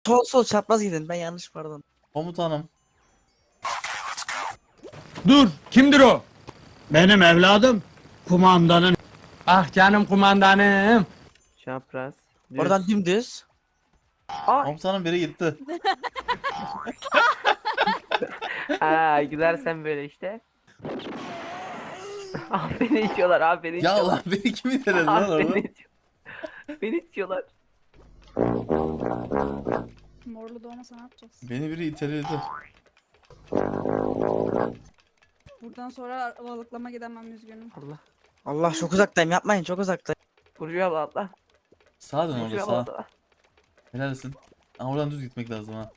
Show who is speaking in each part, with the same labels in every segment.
Speaker 1: Sol çapraz gidin, ben yanlış pardon.
Speaker 2: Komutanım.
Speaker 3: Dur, kimdir o?
Speaker 4: Benim evladım kumandanın.
Speaker 3: Ah canım kumandanım.
Speaker 5: Çapraz. Düz.
Speaker 1: Oradan dümdüz.
Speaker 2: Komutanım biri gitti.
Speaker 5: Aa, gülersen böyle işte. Beni içiyorlar, beni
Speaker 2: Ya
Speaker 5: içiyorlar.
Speaker 2: Allah beni kim iteledi lan orada?
Speaker 5: Beni içiyorlar. Beni içiyorlar.
Speaker 6: Morlu da olmasa ne yapacağız?
Speaker 2: Beni biri iteledi.
Speaker 6: Buradan sonra balıklama gidemem, üzgünüm.
Speaker 5: Allah.
Speaker 1: Allah çok uzaktayım, yapmayın, çok uzaktayım.
Speaker 5: Burcu abla atla.
Speaker 2: Sağa dön orada
Speaker 5: Burcu abla
Speaker 2: sağa.
Speaker 5: atla.
Speaker 2: Helalsin. Ama oradan düz gitmek lazım ha.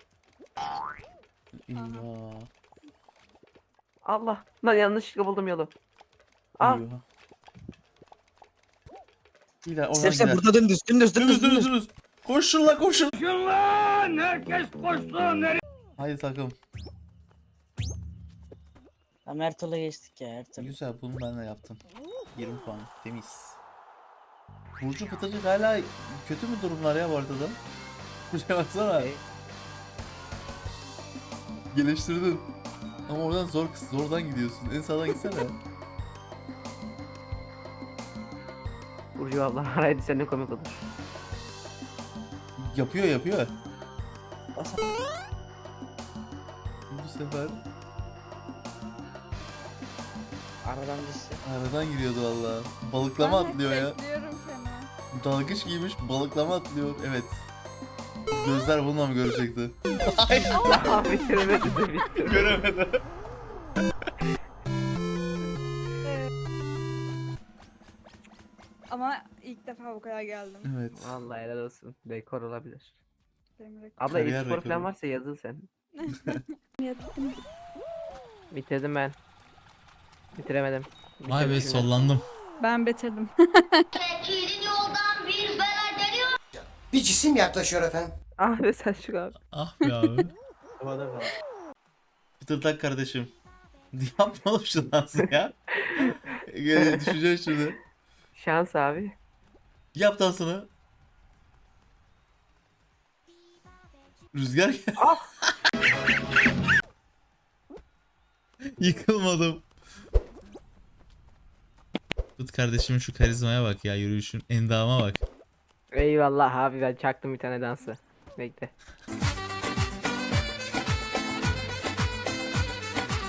Speaker 2: Eyvah.
Speaker 5: Allah. Lan yanlışlıkla buldum yolu. Al.
Speaker 2: Eyvah. Gider oradan
Speaker 1: İstersen
Speaker 2: gider.
Speaker 1: burada dümdüz.
Speaker 2: Dümdüz. Koşun la koşun.
Speaker 3: Koşun lan, herkes koşsun.
Speaker 2: Haydi takım.
Speaker 1: Ama Ertuğrul'a geçtik ya, Ertuğrul.
Speaker 2: Güzel bunu ben de yaptım. 20 puan temiz. Burcu Pıtırcık hala kötü mü durumlar ya bu arada? Buraya baksana. Geliştirdin. Ama oradan zordan gidiyorsun. En sağdan gitsene.
Speaker 5: Burcu abla araydı, sen de komik olur.
Speaker 2: Yapıyor. Bu sefer
Speaker 1: Aradan düştü.
Speaker 2: aradan giriyordu valla. Balıklama atlıyor ya.
Speaker 6: Bekliyorum seni.
Speaker 2: Dalgıç giymiş balıklama atlıyor. Evet. Gözler bununla mı görecekti?
Speaker 5: Aa, bitiremedim de bitirdim.
Speaker 2: Göremedi.
Speaker 6: Ama ilk defa bu kadar geldim.
Speaker 2: Evet.
Speaker 5: Vallahi helal olsun. Dekor olabilir.
Speaker 6: Benim reklam.
Speaker 5: Abla
Speaker 2: Kariyer
Speaker 5: e-spor
Speaker 2: rekoru.
Speaker 5: falan varsa yazıl sen.
Speaker 6: Yattım.
Speaker 5: Bitirdim ben. Bitiremedim.
Speaker 7: Vay be
Speaker 5: Bitirmişim ben.
Speaker 7: sollandım.
Speaker 6: Ben bitirdim.
Speaker 4: Bir cisim yaklaşıyor efendim.
Speaker 5: Ah be Selçuk abi.
Speaker 7: Ah be abi.
Speaker 2: Pıtırdak kardeşim. Yapma oğlum şu dansı ya. Gene düşeceğim şimdi.
Speaker 5: Şans abi.
Speaker 2: Yap dansını. Rüzgar gel.
Speaker 7: Yıkılmadım. Tut kardeşimin şu karizmaya bak ya, yürüyüşün endama bak.
Speaker 5: Eyvallah abi, ben çaktım bir tane dansı. Bekle.